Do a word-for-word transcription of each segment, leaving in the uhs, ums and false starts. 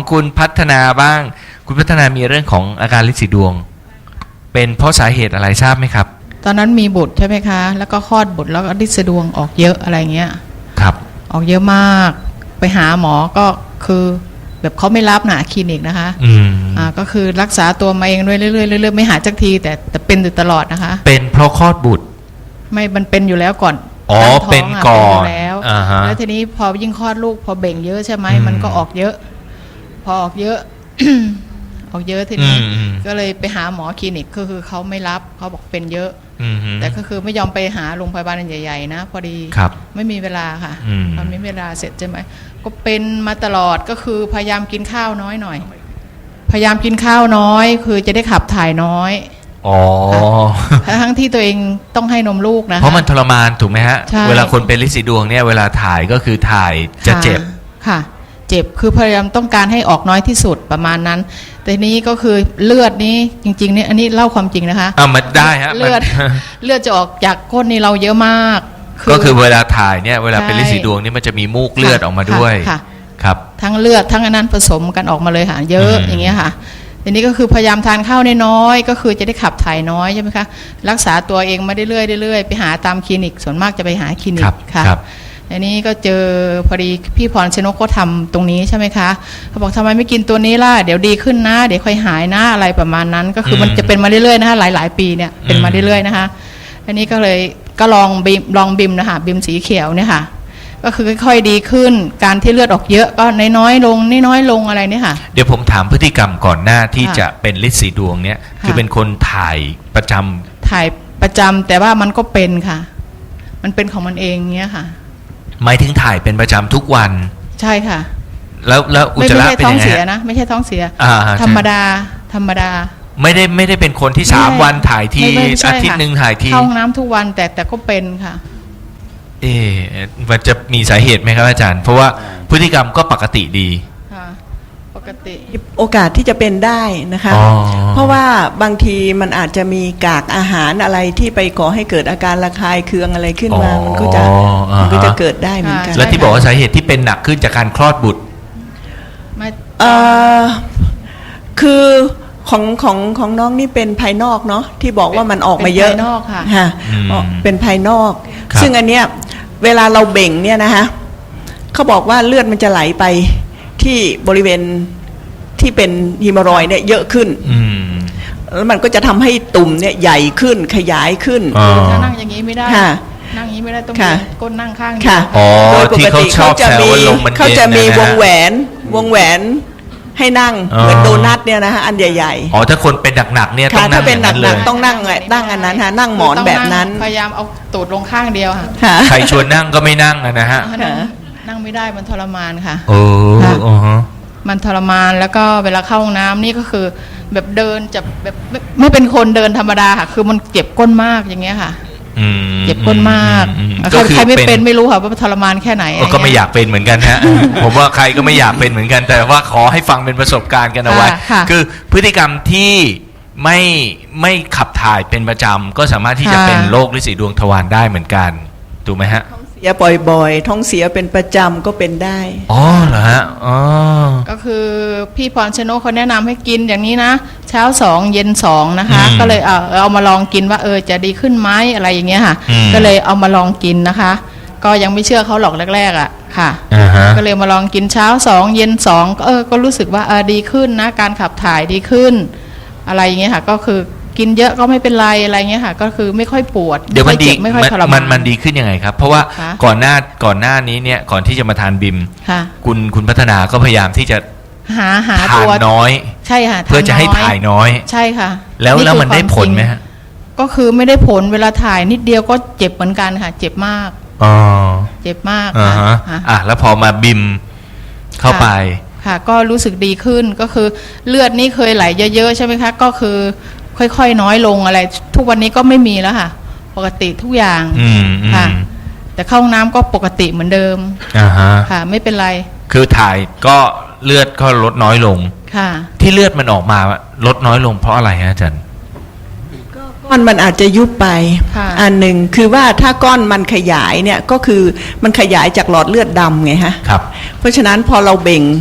ของคุณพัฒนาบ้างคุณพัฒนามีเรื่องของอาการลินสีดวงเป็นเพราะสาเหตุอะไรทราบไหมครับตอนนั้นมีบุตรใช่ไหมคะแล้วก็คลอดบุตรแล้วก็ลินสีดวงออกเยอะอะไรเงี้ยครับออกเยอะมากไปหาหมอก็คือแบบเขาไม่รับนะคลินิกนะคะอืมอ่าก็คือรักษาตัวมาเองเรื่อยๆเรื่อยๆไม่หายสักทีแต่แต่เป็นอยู่ตลอดนะคะเป็นเพราะคลอดบุตรไม่มันเป็นอยู่แล้วก่อนอ๋อเป็นก่อนแล้วแล้วทีนี้พอยิ่งคลอดลูกพอเบ่งเยอะใช่ไหมมันก็ออกเยอะพอออกเยอะ ออกเยอะทีนี้ก็เลยไปหาหมอคลินิกก็คือเขาไม่รับเขาบอกเป็นเยอะแต่ก็คือไม่ยอมไปหาโรงพยาบาลใหญ่ๆนะพอดีไม่มีเวลาค่ะพอไม่มีเวลาเสร็จใช่ไหมก็เป็นมาตลอดก็คือพยายามกินข้าวน้อยหน่อยพยายามกินข้าวน้อยคือจะได้ขับถ่ายน้อยอ๋อทั้งที่ตัวเองต้องให้นมลูกนะเพราะมันทรมานถูกไหมฮะเวลาคนเป็นลินสีดวงเนี่ยเวลาถ่ายก็คือถ่ายจะเจ็บค่ะเจ็บคือพยายามต้องการให้ออกน้อยที่สุดประมาณนั้นแต่นี้ก็คือเลือดนี้จริงๆนี่อันนี้เล่าความจริงนะคะอ่ามันได้ฮะเลือดเลือดจะออกจากก้นนี่เราเยอะมากก็คือเวลาถ่ายเนี่ยเวลาเป็นลินสีดวงนี่มันจะมีมูกเลือดออกมาด้วยครับทั้งเลือดทั้งอันนั้นผสมกันออกมาเลยค่ะเยอะอย่างเงี้ยค่ะทีนี้ก็คือพยายามทานข้าวน้อยๆก็คือจะได้ขับถ่ายน้อยใช่ไหมคะรักษาตัวเองมาเรื่อยๆเรื่อยๆไปหาตามคลินิกส่วนมากจะไปหาคลินิกค่ะอันนี้ก็เจอพอดีพี่พรชนกเขาทำตรงนี้ใช่ไหมคะเขาบอกทำไมไม่กินตัวนี้ล่ะเดี๋ยวดีขึ้นนะเดี๋ยวค่อยหายนะอะไรประมาณนั้นก็คือมันจะเป็นมาเรื่อยๆนะคะหลายๆปีเนี่ยเป็นมาเรื่อยๆนะคะอันนี้ก็เลยก็ลองบิมลองบิมนะคะบิมสีเขียวเนี่ยค่ะก็คือค่อยๆดีขึ้นการที่เลือดออกเยอะก็น้อยๆลงน้อยๆลงอะไรเนี่ยค่ะเดี๋ยวผมถามพฤติกรรมก่อนหน้าที่จะเป็นลินสีดวงเนี่ยคือเป็นคนถ่ายประจำถ่ายประจำแต่ว่ามันก็เป็นค่ะมันเป็นของมันเองเงี้ยค่ะหมายถึงถ่ายเป็นประจำทุกวันใช่ค่ะแล้วแล้วอุจจาระเป็นยังไงไม่ใช่ท้องเสียนะไม่ใช่ท้องเสียธรรมดาธรรมดาไม่ได้ไม่ได้เป็นคนที่สามวันถ่ายทีอาทิตย์หนึ่งถ่ายทีเข้าห้องน้ำทุกวันแต่แต่ก็เป็นค่ะเอ๊ะมันจะมีสาเหตุไหมครับอาจารย์เพราะว่าพฤติกรรมก็ปกติดีปกติโอกาสที่จะเป็นได้นะคะเพราะว่าบางทีมันอาจจะมีกากอาหารอะไรที่ไปก่อให้เกิดอาการระคายเคืองอะไรขึ้นมามันก็จะมันก็จะเกิดได้เหมือนกันแล้วที่บอกว่าสาเหตุที่เป็นหนักขึ้นจากการคลอดบุตรเอ่อคือของของของน้องนี่เป็นภายนอกเนาะที่บอกว่ามันออกมาเยอะภายนอกค่ะค่ะเป็นภายนอกซึ่งอันเนี้ยเวลาเราเบ่งเนี่ยนะคะเขาบอกว่าเลือดมันจะไหลไปที่บริเวณที่เป็นฮีมอรอยด์เนี่ยเยอะขึ้นแล้วมันก็จะทำให้ตุ่มเนี่ยใหญ่ขึ้นขยายขึ้นถ้านั่งอย่างนี้ไม่ได้นั่งอย่างนี้ไม่ได้ต้องก้นนั่งข้างค่ะโดยปกติเขาจะมีเขาจะมีวงแหวนวงแหวนให้นั่งเหมือนโดนัทเนี่ยนะฮะอันใหญ่ๆอ๋อถ้าคนเป็นหนักๆเนี่ยต้องนั่งถ้าเป็นหนักๆต้องนั่งนั่งอันนั้นฮะนั่งหมอนแบบนั้นพยายามเอาตูดลงข้างเดียวค่ะใครชวนนั่งก็ไม่นั่งนะฮะนั่งไม่ได้มันทรมานค่ะโอ้มันทรมานแล้วก็เวลาเข้าห้องน้ำนี่ก็คือแบบเดินจะแบบไม่เป็นคนเดินธรรมดาค่ะคือมันเจ็บก้นมากอย่างเงี้ยค่ะเจ็บก้นมากใครไม่เป็นไม่รู้ค่ะว่าทรมานแค่ไหนก็ไม่อยากเป็นเหมือนกันฮะผมว่าใครก็ไม่อยากเป็นเหมือนกันแต่ว่าขอให้ฟังเป็นประสบการณ์กันเอาไว้คือพฤติกรรมที่ไม่ไม่ขับถ่ายเป็นประจำก็สามารถที่จะเป็นโรคลินสีดวงทวารได้เหมือนกันถูกไหมฮะเสียบ่อยๆท้องเสียเป็นประจำก็เป็นได้อ๋อเหรอฮะอ๋อก็คือพี่พรชนกเขาแนะนำให้กินอย่างนี้นะเช้าสองเย็นสองนะคะก็เลยเอาเอามาลองกินว่าเออจะดีขึ้นไหมอะไรอย่างเงี้ยค่ะก็เลยเอามาลองกินนะคะก็ยังไม่เชื่อเขาหรอกแรกๆอ่ะค่ะก็เลยมาลองกินเช้าสองเย็นสองก็เออก็รู้สึกว่าเออดีขึ้นนะการขับถ่ายดีขึ้นอะไรอย่างเงี้ยค่ะก็คือกินเยอะก็ไม่เป็นไรอะไรเงี้ยค่ะก็คือไม่ค่อยปวดเดี๋ยวมันดีมันมันดีขึ้นยังไงครับเพราะว่าก่อนหน้าก่อนหน้านี้เนี่ยก่อนที่จะมาทานบิมคุณคุณพัฒนาก็พยายามที่จะหาหาตัวน้อยใช่ค่ะเพื่อจะให้ถ่ายน้อยใช่ค่ะแล้วแล้วมันได้ผลไหมฮะก็คือไม่ได้ผลเวลาถ่ายนิดเดียวก็เจ็บเหมือนกันค่ะเจ็บมากอ๋อเจ็บมากค่ะอ่ะแล้วพอมาบิมเข้าไปค่ะก็รู้สึกดีขึ้นก็คือเลือดนี่เคยไหลเยอะๆใช่ไหมคะก็คือค่อยๆน้อยลงอะไรทุกวันนี้ก็ไม่มีแล้วค่ะปกติทุกอย่างค่ะแต่เข้าห้องน้ำก็ปกติเหมือนเดิมค่ะไม่เป็นไรคือถ่ายก็เลือดก็ลดน้อยลงค่ะที่เลือดมันออกมาลดน้อยลงเพราะอะไรฮะอาจารย์ก้อนมันอาจจะยุบไปอันหนึ่งคือว่าถ้าก้อนมันขยายเนี่ยก็คือมันขยายจากหลอดเลือดดำไงฮะครับเพราะฉะนั้นพอเราเบ่ง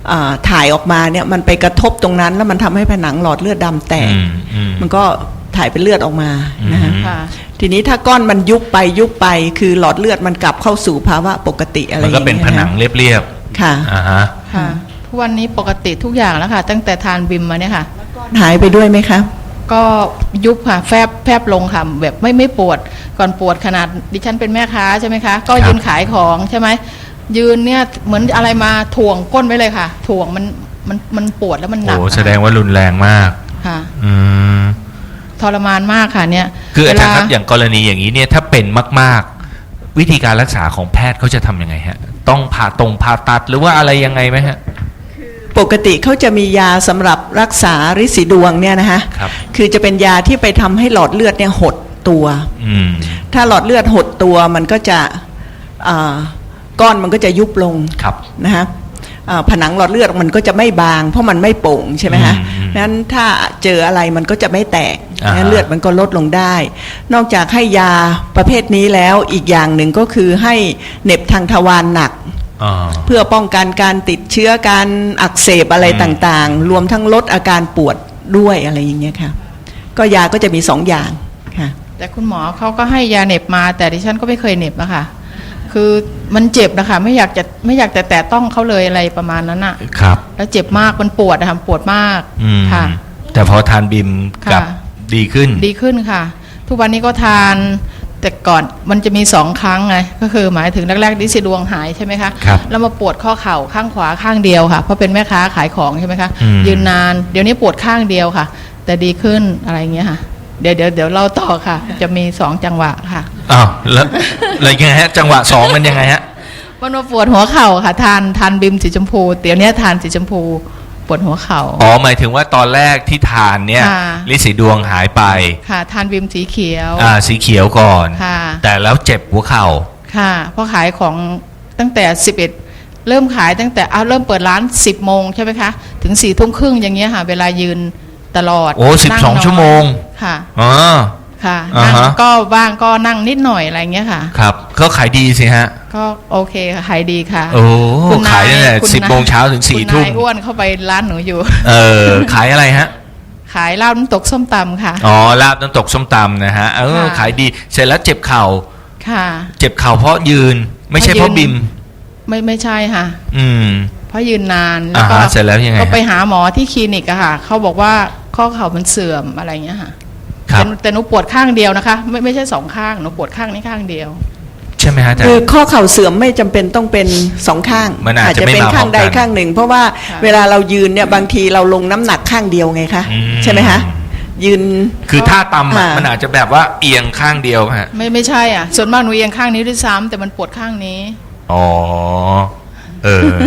อ่าถ่ายออกมาเนี่ยมันไปกระทบตรงนั้นแล้วมันทำให้ผนังหลอดเลือดดำแตกอืมอืมมันก็ถ่ายเป็นเลือดออกมานะฮะค่ะทีนี้ถ้าก้อนมันยุบไปยุบไปคือหลอดเลือดมันกลับเข้าสู่ภาวะปกติอะไรอมันย่างก็เงี้ยเป็นผนังเรียบค่ะๆอ่าฮะค่ะทุกวันนี้ปกติทุกอย่างแล้วค่ะ ตั้งแต่ทานบิมมาเนี่ยค่ะหายไปด้วยไหมคะก็ยุบค่ะแฟบแฟบลงค่ะแบบไม่ไม่ปวดก่อนปวดขนาดดิฉันเป็นแม่ค้าใช่ไหมคะก็ครับยืนขายของใช่ไหมยืนเนี่ยเหมือนอะไรมาถ่วงก้นไว้เลยค่ะ ถ่วงมันมันมันปวดแล้วมันหนักโอ้แสดงว่ารุนแรงมากค่ะอืมทรมานมากค่ะเนี่ยคืออาจารย์เวลครับอย่างกรณีอย่างนี้เนี่ยถ้าเป็นมากๆ วิธีการรักษาของแพทย์เขาจะทำยังไงฮะต้องผ่าตรงผ่าตัดหรือว่าอะไรยังไงไหมฮะปกติเขาจะมียาสำหรับรักษาริดสีดวงเนี่ยนะฮะครับคือจะเป็นยาที่ไปทำให้หลอดเลือดเนี่ยหดตัวอืมถ้าหลอดเลือดหดตัวมันก็จะอ่าก้อนมันก็จะยุบลงครับนะฮะอ่าผนังหลอดเลือดมันก็จะไม่บางเพราะมันไม่โป่งใช่ไหมฮะอืมนั้นถ้าเจออะไรมันก็จะไม่แตกอ่าฮะนะเลือดมันก็ลดลงได้ นอกจากให้ยาประเภทนี้แล้วอีกอย่างหนึ่งก็คือให้เหน็บทางทวารหนักอ่าเพื่อป้องกันการติดเชื้อการอักเสบอะไรอืมต่างๆ รวมทั้งลดอาการปวดด้วยอะไรอย่างเงี้ยค่ะก็ยาก็จะมีสองอย่างค่ะแต่คุณหมอเขาก็ให้ยาเหน็บมาแต่ดิฉันก็ไม่เคยเหน็บอะค่ะคือมันเจ็บนะคะไม่อยากจะไม่อยากจะแตะต้องเขาเลยอะไรประมาณนั้นอะครับแล้วเจ็บมากมันปวดนะคะปวดมากอืมค่ะแต่พอทานบิมกลับค่ะดีขึ้นดีขึ้นค่ะ ทุกวันนี้ก็ทานแต่ก่อนมันจะมีสองครั้งไงก็คือหมายถึงแรกๆดิสิดวงหายใช่ไหมคะครับแล้วมาปวดข้อเข่าข้างขวาข้างเดียวค่ะเพราะเป็นแม่ค้าขายของใช่ไหมคะอืมยืนนานเดี๋ยวนี้ปวดข้างเดียวค่ะ แต่ดีขึ้นอะไรอย่างเงี้ยค่ะเดี๋ยวเดี๋ยวเดี๋ยวเราต่อค่ะ จะมีสองจังหวะค่ะอ้าวแล้วแล้วยังไงฮะ จังหวะสองมันยังไงฮะมันมาปวดหัวเข่าค่ะ ทานทานบิมสีชมพูเดี๋ยวนี้ทานสีชมพูปวดหัวเข่าอ๋อหมายถึงว่าตอนแรกที่ทานเนี่ยค่ะลิสีดวงหายไปค่ะ ทานบิมสีเขียวอ่าสีเขียวก่อนค่ะแต่แล้วเจ็บหัวเข่าค่ะเพราะขายของตั้งแต่สิบเอ็ดเริ่มขายตั้งแต่เอาเริ่มเปิดร้านสิบโมงใช่ไหมคะถึงสี่ทุ่มครึ่งอย่างเงี้ยค่ะ เวลายืนตลอดโอ้สิบสองนั่นนชั่วโมงค่ะอ๋อค่ะอ่านั่งฮะก็บ้างก็นั่งนิดหน่อยอะไรเงี้ยค่ะครับก็ขายดีสิฮะก็โอเคค่ะขายดีค่ะโอ้คุณนขายตั้งแต่คุณสิบนโมงเช้าถึงสี่คุณทุ่มนายอ้วนเข้าไปร้านหนูอยู่เออขายอะไรฮะขายเหล้าน้ำตกส้มตำค่ะอ๋อลาบน้ำตกส้มตำนะฮะเออค่ะขายดีเสร็จแล้วเจ็บเข่าค่ะเจ็บเข่าเพราะยืน ไม่ใช่เพราะเพราะยืบินมไม่ไม่ใช่ค่ะอืมเพราะยืนนานแล้วอ่าก็ฮะเสร็จแล้วยังไงก็ไปฮะหาหมอที่คลินิกอะค่ะเขาบอกว่าข้อเข่ามันเสื่อมอะไรเงี้ยค่ะครับแต่แต่หนูปวดข้างเดียวนะคะ ไม่ไม่ใช่สองข้างหนูปวดข้างนี้ข้างเดียวใช่ไหมฮะอาจารคือย์ข้อเข่าเสื่อมไม่จำเป็นต้องเป็นสองข้างมันอาจจะไม่เป็นมาพร้ข้าอง มกันใดข้างหนึ่ง เพราะว่าค่ะเวลาเรายืนเนี่ยบางทีเราลงน้ำหนักข้างเดียวไงคะอืมใช่ไหมคะยืนคือท่าตำอะอ่ามัมันอาจจะแบบว่าเอียงข้างเดียวฮะไม่ไม่ใช่อ่ะส่วนมากหนูเอียงข้างนี้ด้วยซ้ำแต่มันปวดข้างนี้อ๋อ เออ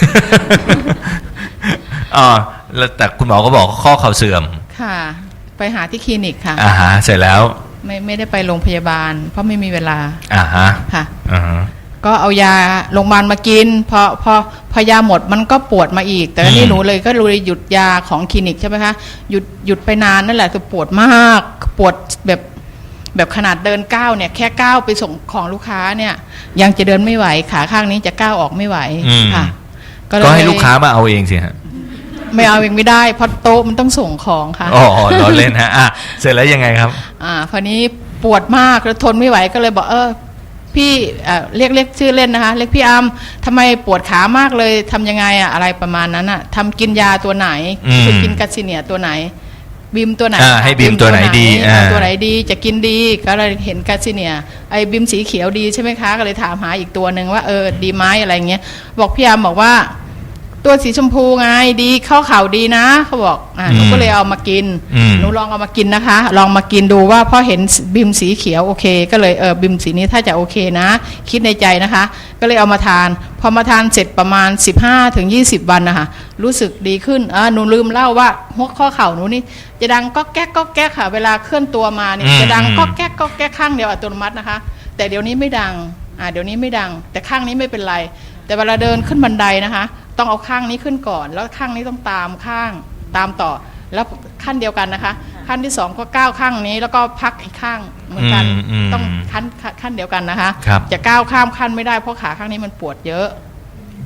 อ๋อแล้วแต่คุณหมอก็บอกข้อเข่าเสื่อมค่ะ ไปหาที่คลินิกค่ะอ่าฮะ เสร็จแล้วไม่ไม่ได้ไปโรงพยาบาล เพราะไม่มีเวลาอ่าฮะค่ะอ่าฮะก็เอายาโรงพยาบาลมากินพอพอพอยาหมดมันก็ปวดมาอีก แต่อันนี้อืมหนูเลยก็เลยหยุดยาของคลินิกใช่ไหมคะหยุดหยุดไปนานนั่นแหละคือปวดมากปวดแบบแบบขนาดเดินก้าวเนี่ยแค่ก้าวไปส่งของลูกค้าเนี่ย ยังจะเดินไม่ไหวขาข้างนี้จะก้าวออกไม่ไหวอืมค่ะก็ให้ลูกค้ามาเอาเองสิฮะไม่เอาเองไม่ได้เพราะโต๊ะมันต้องส่งของค่ะอ๋อล้อเล่นฮะ อ่ะ เสร็จแล้วยังไงครับอ่าพอนี้ปวดมากแล้วทนไม่ไหวก็เลยบอกเออพี่เอ่อเรียกเรียกชื่อเล่นนะคะเรียกพี่อัมทำไมปวดขามากเลยทำยังไงอะอะไรประมาณนั้นอะทำกินยาตัวไหนอืมคือกินกัสซิเนียตัวไหนบิมตัวไหนอ่าให้บิมตัวไหนดีอ่าอ่าตัวไหนดีจะกินดีก็เลยเห็นกัสซิเนียไอ้บิมสีเขียวดีใช่ไหมคะก็เลยถามหาอีกตัวหนึ่งว่าเออดีไหมอะไรเงี้ยบอกพี่อัมบอกว่าตัวสีชมพูไงดีเข้าข่าวดีนะเขาบอกอ่าหนูก็เลยเอามากินอืมหนูลองเอามากินนะคะ ลองมากินดูว่าพอเห็นบิมสีเขียวโอเค ก็เลยเออบิมสีนี้ถ้าจะโอเคนะ คิดในใจนะคะ ก็เลยเอามาทาน พอมาทานเสร็จประมาณ สิบห้าถึงยี่สิบ วันนะคะรู้สึกดีขึ้นอ่าหนูลืมเล่าว่าหัวข้อเข่าหนูนี่จะดังก็แก๊กก็แก๊กค่ะ เวลาเคลื่อนตัวมานี่อืมจะดังก็แก๊กก็แก๊กข้างเดียวอัตโนมัตินะคะ แต่เดี๋ยวนี้ไม่ดังอ่าเดี๋ยวนี้ไม่ดัง แต่ข้างนี้ไม่เป็นไร แต่เวลาเดินขึ้นบันไดนะคะ ต้องเอาข้างนี้ขึ้นก่อน แล้วข้างนี้ต้องตามข้างตามต่อ แล้วขั้นเดียวกันนะคะ ขั้นที่สองก็ก้าวข้างนี้แล้วก็พักอีกข้างเหมือนกันอืมอืมต้องขั้นขั้นขั้นเดียวกันนะคะครับจะก้าวข้ามขั้นไม่ได้เพราะขาข้างนี้มันปวดเยอะ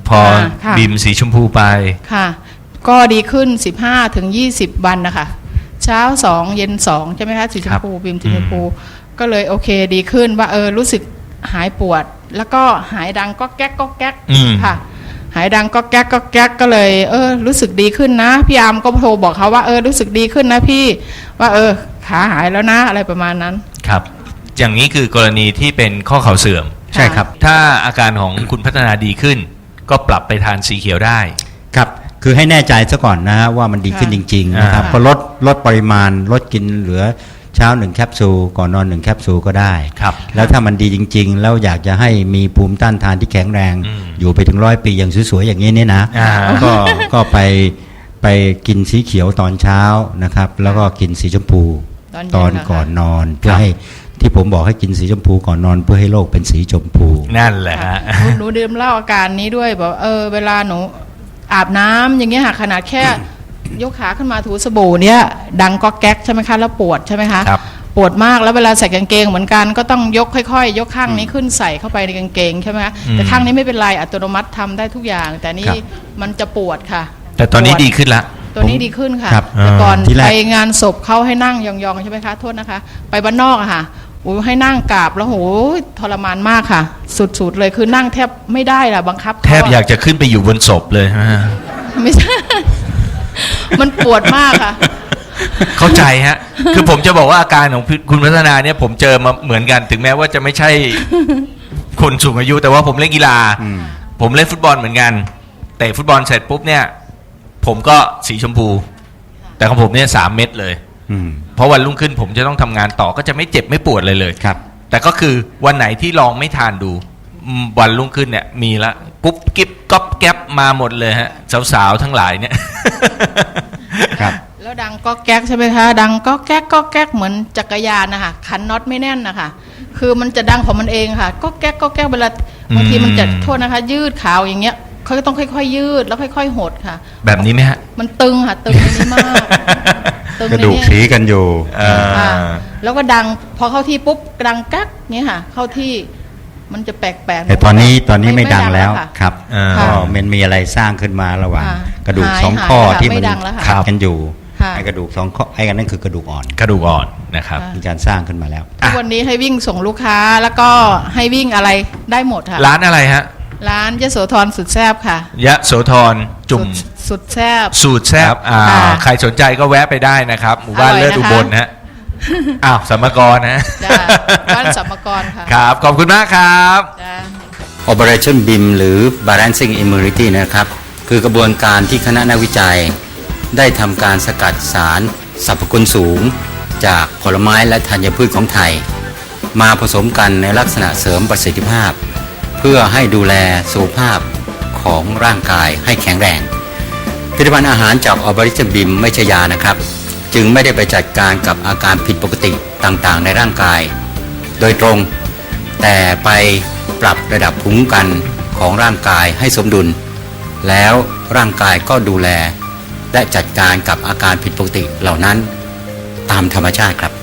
พอค่ะค่ะบิมสีชมพูไปค่ะ ก็ดีขึ้น สิบห้าถึงยี่สิบ วันนะคะเช้าสองเย็นสองใช่ไหมคะสีชมพูบิมสีชมพูก็เลยโอเคดีขึ้นว่าเออรู้สึกหายปวด แล้วก็หายดังก็แก๊กก็แก๊กอืมค่ะ หายดังก็แก๊กก็แก๊กก็เลยเออรู้สึกดีขึ้นนะพี่อาร์มก็โทรบอกเขาว่าเออรู้สึกดีขึ้นนะพี่ว่าเออขาหายแล้วนะอะไรประมาณนั้นครับ อย่างนี้คือกรณีที่เป็นข้อเข่าเสื่อมใช่ครับถ้าอาการของคุณพัฒนาดีขึ้น ก็ปรับไปทานสีเขียวได้ครับคือให้แน่ใจซะก่อนนะฮะว่ามันดีขึ้นจริงๆนะครับอ่าก็ลดลดปริมาณลดกินเหลือเช้าหนึ่งแคปซูลก่อนนอนหนึ่งแคปซูลก็ได้ครับแล้วถ้ามันดีจริงๆ แล้วอยากจะให้มีภูมิต้านทานที่แข็งแรงอืมอยู่ไปถึงร้อยปีอย่างสวยๆอย่างนี้เนี่ยนะอ่าก็ก็ไปไปกินสีเขียวตอนเช้านะครับ แล้วก็กินสีชมพูตอนเย็นตอนเหรอคะก่อนนอนเพื่คอรับให้ที่ผมบอกให้กินสีชมพูก่อนนอนเพื่อให้โลกเป็นสีชมพูนั่นแหละฮะหนูหนูดื่มเหล้าอาการนี้ด้วยบอกเออเวลาหนูอาบน้ำอย่างเงี้ยค่ะขนาดแค่ ยกขาขึ้นมาถูสบู่เนี่ยดังก็แก๊กใช่ไหมคะแล้วปวดใช่ไหมคะครับปวดมากแล้วเวลาใส่กางเกงเหมือนกันก็ต้องยกค่อยๆ ยกข้างนี้ขึ้นใส่เข้าไปในกางเกงใช่ไหมคะอืมแต่ข้างนี้ไม่เป็นไรอัตโนมัติทำได้ทุกอย่าง แต่นี่ครับมันจะปวดค่ะแต่ตอนนี้ปวดีขึ้นละตัวนี้ดีขึ้นค่ะครับแต่ก่อนที่แรกไปงานศพเขาให้นั่งยองๆใช่ไหมคะโทษนะคะ ไปบ้านนอกอะค่ะโอ้ยให้นั่งกราบแล้วโหยทรมานมากค่ะ สุดๆเลยคือนั่งแทบไม่ได้ล่ะบังคับเขแทบอยากจะขึ้นไปอยู่บนศพเลยฮะไม่ใช่ มันปวดมากค่ะเข้าใจฮะ คือผมจะบอกว่าอาการของคุณพัฒนาเนี่ยผมเจอมาเหมือนกัน ถึงแม้ว่าจะไม่ใช่คนสูงอายุ แต่ว่าผมเล่นกีฬาอืมผมเล่นฟุตบอลเหมือนกันเตะฟุตบอลเสร็จปุ๊บเนี่ย ผมก็สีชมพู แต่ของผมเนี่ยสามเม็ดเลยอืมเพราะวันรุ่งขึ้นผมจะต้องทำงานต่อก็จะไม่เจ็บไม่ปวดเลยเลยครับแต่ก็คือวันไหนที่ลองไม่ทานดูอืมวันรุ่งขึ้นเนี่ย มีละกุ๊บกิ๊บก๊อบแก๊บมาหมดเลยฮะ สาวๆทั้งหลายเนี่ยครับแล้วดังก็แก๊กใช่ไหมคะ ดังก็แก๊กก็แก๊กเหมือนจักรยานนะคะขันน็อตไม่แน่นนะคะคือมันจะดังของมันเองค่ะ ก็แก๊กก็แก๊กเวลาบางทีมันจะอืมโทษนะคะ ยืดขาวอย่างเงี้ยเขาก็ต้องค่อยๆ ยืดแล้วค่อยๆหดค่ะแบบนี้ไหมฮะมันตึงค่ะตึงในนี้มากตึงกระในดูกนี้สีกันอยู่เออค่ะแล้วก็ดังพอเข้าที่ปุ๊บดังกักเงี้ยค่ะ เข้าที่มันจะแปลกๆแต่ตอนนี้ตอนนี้ไม่ดังแล้วค่ะครับอ่าก็มันมีอะไรสร้างขึ้นมาระหว่างค่ะกระดูกหายสองหายข้อค่ะที่ไม่มันดังแล้วค่ะขัดกันอยู่ค่ะไอ้กระดูกสองข้อไอ้กันนั่นคือกระดูกอ่อนกระดูกอ่อนนะครับค่ะมีการสร้างขึ้นมาแล้วทุกวันนี้ให้วิ่งส่งลูกค้าแล้วก็ให้วิ่งอะไรได้หมดค่ะร้านอะไรฮะร้านยโสธรสุดแซบค่ะยะโสธรจุ่มสุดสุดแซบสูตรแซบอ่าค่ะใครสนใจก็แวะไปได้นะครับหมู่บ้านอร่อยเลิศนะคะอุบลนะฮะ อ้าวสัมมกรนะจ้ะบ้านสัมมกรค่ะครับ ขอบคุณมากครับจ้ะ Operationบี เอ็ม หรือ Balancing Immunity นะครับ คือกระบวนการที่คณะนักวิจัย ได้ทำการสกัดสารสรรพคุณสูง จากผลไม้และธัญพืชของไทย มาผสมกันในลักษณะเสริมประสิทธิภาพ เพื่อให้ดูแลสุขภาพของร่างกายให้แข็งแรง ผลิตภัณฑ์อาหารจาก Operationบี เอ็ม ไม่ใช่ยานะครับ จึงไม่ได้ไปจัดการกับอาการผิดปกติต่างๆ ในร่างกาย โดยตรง แต่ไปปรับระดับภูมิคุ้มกันของร่างกายให้สมดุล แล้วร่างกายก็ดูแล และจัดการกับอาการผิดปกติเหล่านั้นตามธรรมชาติครับ